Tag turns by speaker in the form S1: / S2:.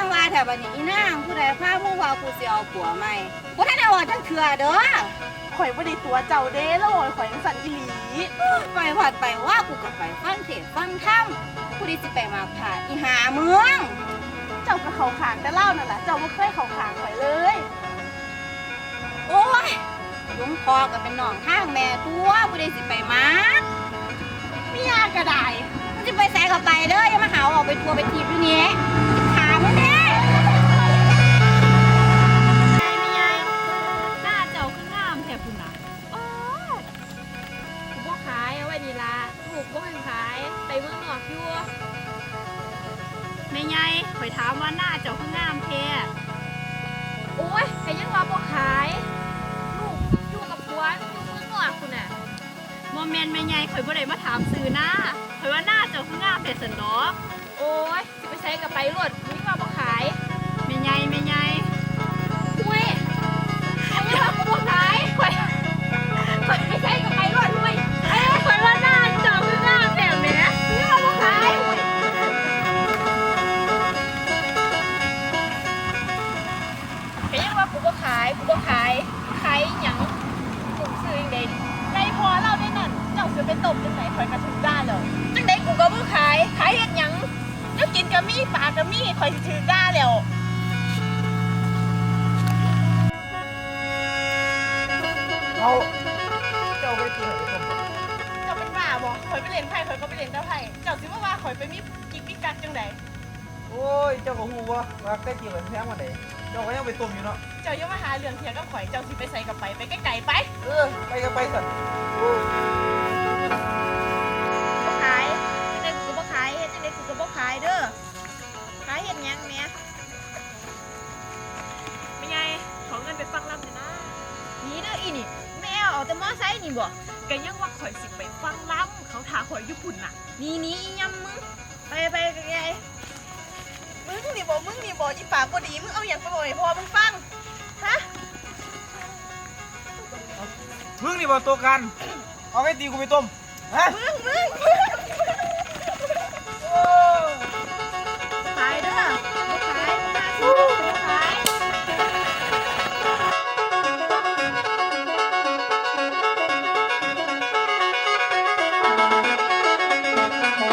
S1: ว่าแถวบ้านนี้อีนางผู้ใดพามึงว่ากูสิเอาผัวใหม่บ่ทันได้ว่าจังเถื่อเด้อ
S2: ข่อยบ่ได้ตัวเจ้าเด้แล้วข่อยจังสั่นอีหลี
S1: ไปวัดไปว่ากูก็ไปฟังเทศน์ฟังธรรมกูได้สิไปมาผ่าอีหาเมือง
S2: เจ้าก็เข้าข้างแต่เล่านั่นแหละเจ้าบ่เคยเข้าข้างข่อยเลย
S1: โอ้ยหลวงพ่อก็เป็นน้องทางแม่ตัวกูได้สิไปมา
S2: เมียก็ได้
S1: มึงสิไปแสก็ไปเด้ออย่ามาหาว่าออกไปทัวร์ไปทีบอยู่นี่ถามมึงเด้
S3: ไม่ยายหน้าเจ้าคืองามแท้พุ่นน่ะโอ้ยกูบ่ขายเอาไว้นี่ล่ะถูกบ่ให้ขายไปเมืองนอกอยู่แม่ยายข่อยถามว่าหน้าเจ้าคืองามแท้โอ้ยก็ยังว่าบ่ขายลูกอยู่กับผัวอยู่เมืองนอกพุ่นน่ะบ่แม่นแม่ยายข่อยบ่ได้มาถามซื้อหน้าข่อยว่าหน้าเจ้าคืองามแท้ซั่นดอกโอ้ยสิไปใช้ก็ไปโลดมึงว่าบ่ขายแม่ยายอุ้ยเอาเงินมาบ่ขายข่อยไม่ใช่กับไปรวดด้วยข่อยว่าหน้าจอคืองามแบบเนี้ยเงินมาบ่ขายก็ยังว่ากูบ่ขายขายหยังกูซื้อยังไง
S2: ในพอเราได้นั่นเจ้าสิไปตบจังไหนข่อยก็ถึงด่าแล้ว
S3: จังไดกูก็บ่ขายเฮ็ดหยัง
S2: แล้วกินก็มีปากก็มีข่อยสิถึงด่าแล้ว
S4: เอาเจ้าไปตีไหนกัน
S2: เจ้าเป็นบ้าบ่ข่อยไปเล่นไพ่ข่อยก็ไปเล่นแต่ไพ่เจ้าสิว่าข่อยไปมีกิ๊กมีกักจังได
S4: โอ้ยเจ้าก็หูว่าใกล้จีบกันแท้มาไหนเจ้าก็ยังไปต้มอยู่เนาะ
S2: เจ้าอย่ามาหาเรื่องเถียงกับข่อยเจ้าสิไปใส่กับไปไกลๆไป
S4: ไปกันไปสัตว์
S3: บ่ขายจังไดกูก็บ่ขายเฮ็ดจังไดกูก็บ่ขายเด้อขายเฮ็ดหยังแหม่ไม่ไงขอเงินไปฟังลำหน่อยนะนี่เด้ออีนี่แม่เอาแต่มอไซค์นี่บ่
S2: ก็ยังว่าข่อยสิไปฟังล้ำเขาถาข่อยอยู่พุ่นน่ะ
S3: นี่อียำมึงไปไกล
S2: มึงนี่บอกอีปากบ่ดีมึงเอาอย่างไปบอกให้พ่อมึงฟังฮะ
S4: มึงนี่บอกตัวกันเอาไอ้ตีกูไปต้มฮะ
S2: มึง